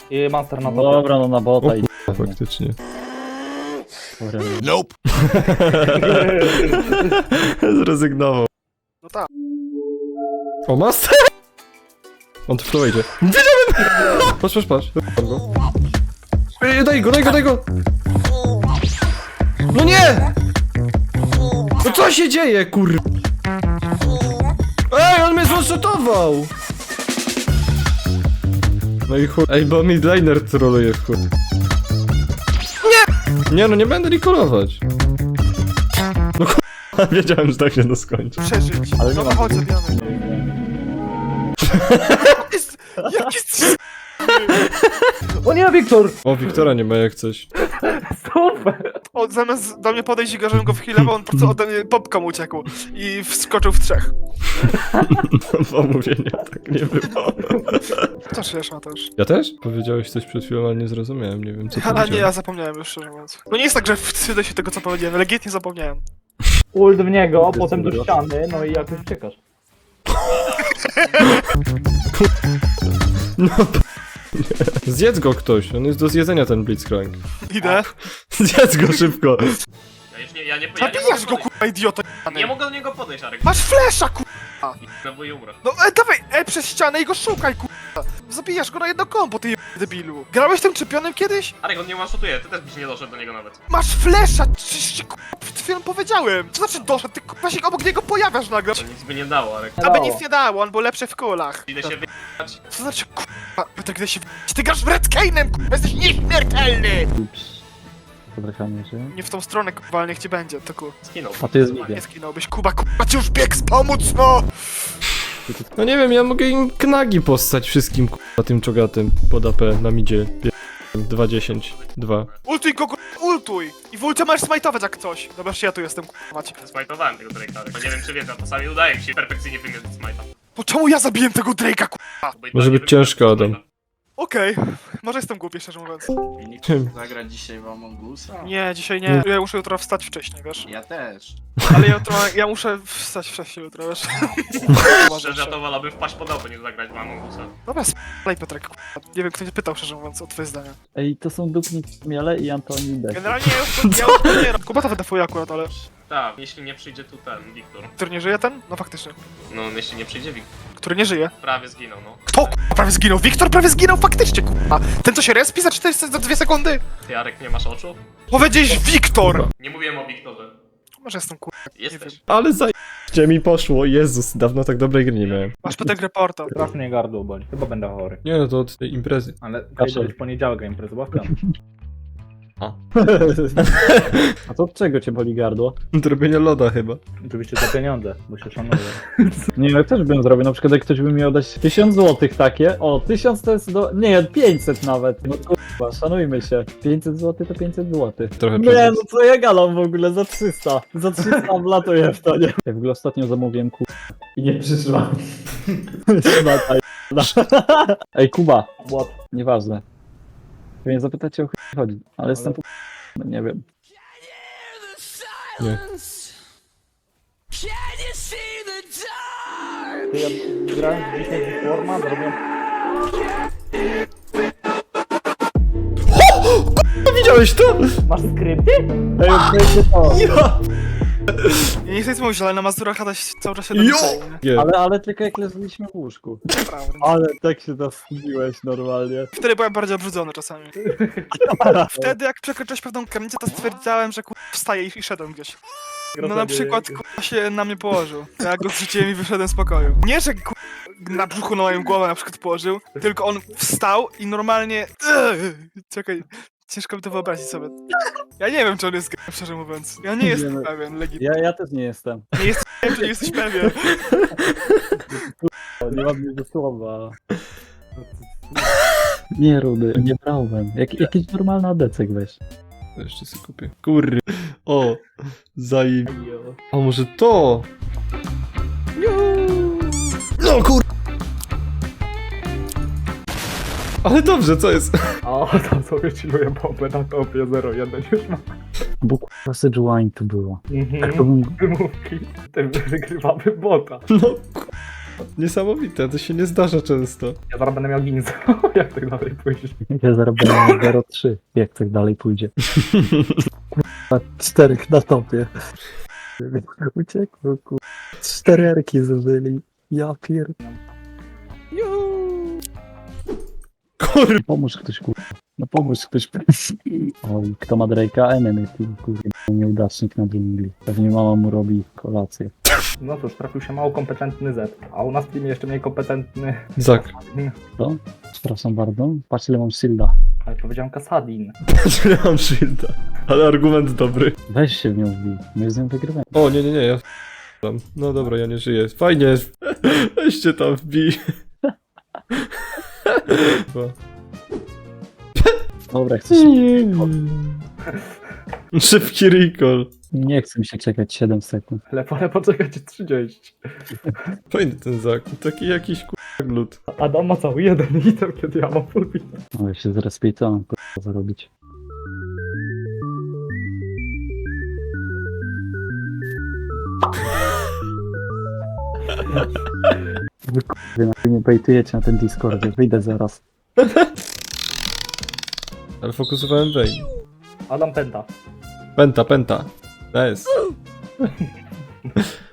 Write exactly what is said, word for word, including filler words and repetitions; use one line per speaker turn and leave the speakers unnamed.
I master na topie.
Dobra, no na bota
O
i...
kurwa, faktycznie.
Nope.
Zrezygnował.
No tak.
O, master! On tu w to wejdzie. Wiedziałem! Patrz, patrz, patrz. Ej, daj go, daj go, daj go! No nie! No co się dzieje, kur... Ej, on mnie złoszotował! No i chuj. Ej, bo midlaner troluje w chuj. Nie! Nie, no nie będę recallować. No kurwa, wiedziałem, że tak się to skończy.
Przeżyć.
Ale nie
Dobra,
ma-
chodź, zabijamy. Jest, jak jest...
O nie, Wiktor!
O, Wiktora nie ma jak coś.
Super!
O, zamiast do mnie podejść i go, żebym go wchilował, on po prostu ode mnie popką uciekł. I wskoczył w trzech.
Pomówienia, tak nie było.
To szesz ma też.
Ja też? Powiedziałeś coś przed chwilą, ale nie zrozumiałem, nie wiem co
Ale nie, ja
powiedziałeś.
zapomniałem już, szczerze mówiąc. No nie jest tak, że wstydzę się tego, co powiedziałem, legitnie zapomniałem.
Ult w niego, potem do ściany, no i jakoś uciekasz.
No, zjedz go ktoś, on jest do zjedzenia ten Blitzcrank.
Idę.
Zjedz go szybko.
Ja już nie, ja nie, ja nie mogę
Zabijasz go,
podejść.
kurwa, idioto.
Nie mogę do niego podejść, Arek.
Masz flesza, kurwa.
No bo i umrę.
No e, dawaj, e, przez ścianę i go szukaj, kurwa. Zabijasz go na jedno kombo, ty jebany debilu. Grałeś tym czempionem kiedyś?
Arek, on nie one-shotuje, ty też byś nie doszedł do niego nawet.
Masz flesza, czyś ci, kurwa, przed chwilą powiedziałem. Co znaczy doszedł? Ty, kurwa, się obok niego pojawiasz nagle.
To nic by nie dało, Arek.
Aby nic nie dało, on był lepszy w kulach.
Idę się wyjechać.
Co znaczy, kurwa, Piotrek, gdy się w... Ty grasz Red Kane'em, kurwa, jesteś nieśmiertelny!
Ups. Podrachamy się.
Nie w tą stronę, kurwa, ale niech ci będzie, to ku.
Skinął.
A to jest Vivian.
Nie skinąłbyś, Kuba, kurwa, ci już bieg pomóc, no!
No nie wiem, ja mogę im knagi postać wszystkim k***a tym czogatem pod A P na midzie. dwa dziesięć, dwa.
Ultuj go, kurwa, ultuj! I w ulcie masz smajtować jak coś. Dobra, ja tu jestem, kurwa, mać.
Smajtowałem tego Drake'a, Arek. No nie wiem czy wiesz, a czasami udaje mi się perfekcyjnie wymierzyć smajta.
Po czemu ja zabiłem tego Drake'a, kurwa?
Bo i
Może
tak nie
być ciężko,
wymierzę
Adam.
smajta.
Okej, może jestem głupi, szczerze mówiąc.
Zagrać dzisiaj w Among Usa?
Nie, dzisiaj nie. Ja muszę jutro wstać wcześniej, wiesz?
Ja też.
Ale jutro, ja muszę wstać wcześniej jutro, wiesz?
Szczerze, ja to wolałbym wpaść pod auto niż zagrać w Among Usa.
Dobra, spalaj Piotrek, kurwa. Nie wiem, kto nie pytał, szczerze mówiąc, o twoje zdania.
Ej, to są Dupnik Miele i Antoni Dek.
Generalnie ja już, ja już to nie robię. Kuba to wydafuje akurat, ale...
Tak, jeśli nie przyjdzie tu ten, Wiktor.
Który nie żyje ten? No faktycznie.
No, jeśli nie przyjdzie Wiktor.
Który nie żyje.
Prawie zginął, no.
Kto, kurwa, prawie zginął? Wiktor prawie zginął faktycznie, kurwa. Ten, co się respi za cztery, za dwie sekundy?
Ty, Arek, nie masz oczu?
Powiedziałeś Wiktor!
Nie mówiłem o Wiktorze.
Może jestem, kurwa, nie wiem.
Jesteś.
Ale zajebiście mi poszło, Jezus, dawno tak dobrej gry nie miałem.
Masz Piotrek reporta.
Strasznie mnie gardło boli. Chyba będę chory.
Nie no, to od tej imprezy.
Ale
Kaszel.
to już poniedziałek a imprezy, bo w piątek.
A to od czego cię boli gardło?
Do robienia loda chyba.
Oczywiście za pieniądze, bo się szanuję.
Nie, ja też bym zrobił, na przykład jak ktoś by mi oddać tysiąc złotych takie, o, tysiąc to jest do... nie, pięćset nawet, no kurwa, szanujmy się, pięćset złotych to pięćset złotych.
Trochę
Nie,
przez...
no co ja gadam w ogóle, za trzysta, za trzysta wlatuję w to, nie? Ja w ogóle ostatnio zamówiłem Kuba i nie przyszła. Szmata jedna. Ej, Kuba,
What?
nieważne. Pewnie zapytacie o chuj chodzi, ale jestem po... no, nie wiem.
Nie.
Ty ja grałem dzisiaj w Forma, zrobiłem...
Widziałeś to?
Masz skrypty?
Ej, odpowiedzcie to.
Ja!
Ja nie chcę nic mówić, ale na Mazurach Adaś cały czas się
Jo!
dopisał, nie?
Nie.
Ale, ale tylko jak leżeliśmy w łóżku.
Naprawdę.
Ale tak się zawstydziłeś normalnie.
Wtedy byłem bardziej obrzydzony czasami. Wtedy jak przekroczyłeś pewną granicę, to stwierdzałem, że kurwa wstaję i, i szedłem gdzieś. No na przykład kurwa się na mnie położył. Ja go zrzuciłem i wyszedłem z pokoju. Nie, że kurwa na brzuchu na moją głowę na przykład położył, tylko on wstał i normalnie... Czekaj, ciężko mi to wyobrazić sobie. Ja nie wiem, czy on jest gejem, szczerze mówiąc. Ja nie jestem
Nie, no.
pewien, legitnie.
Ja, ja też nie jestem.
Nie jestem pewien, czy nie jesteś pewien.
Nie mam nic do słowa. Nie, Rudy, nie brałem. Jak, jakiś normalny adecek weź.
To jeszcze sobie kupię. Kurry. O, zajeb... A może to? No kur... Ale dobrze, co jest?
O, tam sobie chilluję bombę na topie zero jeden już mam.
Bo kurwa Sejuani to było. Tak to
Mhm.
bym...
Wymówki. Ten wygrywamy bota.
No kur... Niesamowite, to się nie zdarza często.
Ja zaraz będę miał ginza, jak tak dalej pójdziesz.
Ja zarobię zero trzy, jak tak dalej pójdzie. Kurwa, czterech na topie. Uciekło, kurwa. Cztery erki zużyli. Ja pier...
Kurwa.
Pomóż ktoś, kurwa. No pomóż ktoś. Oj, kto ma Drake'a? Enemy, ty, kurwa. Nieudacznik na dżungli. Pewnie mama mu robi kolację.
No cóż, trafił się mało kompetentny Z, a u nas w teamie jeszcze mniej kompetentny...
Zak.
Co? Przepraszam bardzo. Patrz ile mam shielda.
Ale powiedziałem Kasadin.
Patrz, nie mam shielda. Ale argument dobry.
Weź się w nią wbij. My z nią wygrywamy.
O, nie, nie, nie, ja f***am. No dobra, ja nie żyję. Fajnie. Weźcie tam wbij. Chyba.
Dobra, chcesz...
Szybki recall.
Nie chcę mi się czekać siedem sekund.
Ale wolę poczekać trzydzieści.
Fajny ten Zak. Taki jakiś k***a glut.
Adam ma cały jeden item, kiedy ja mam full item.
Ale się zrespiej, co mam kurwa zarobić. Wy kurwy, na mnie bejtujecie na ten Discordzie, wyjdę zaraz.
Ale fokusowałem Vayne.
Adam pęta.
Penta, penta. Nice.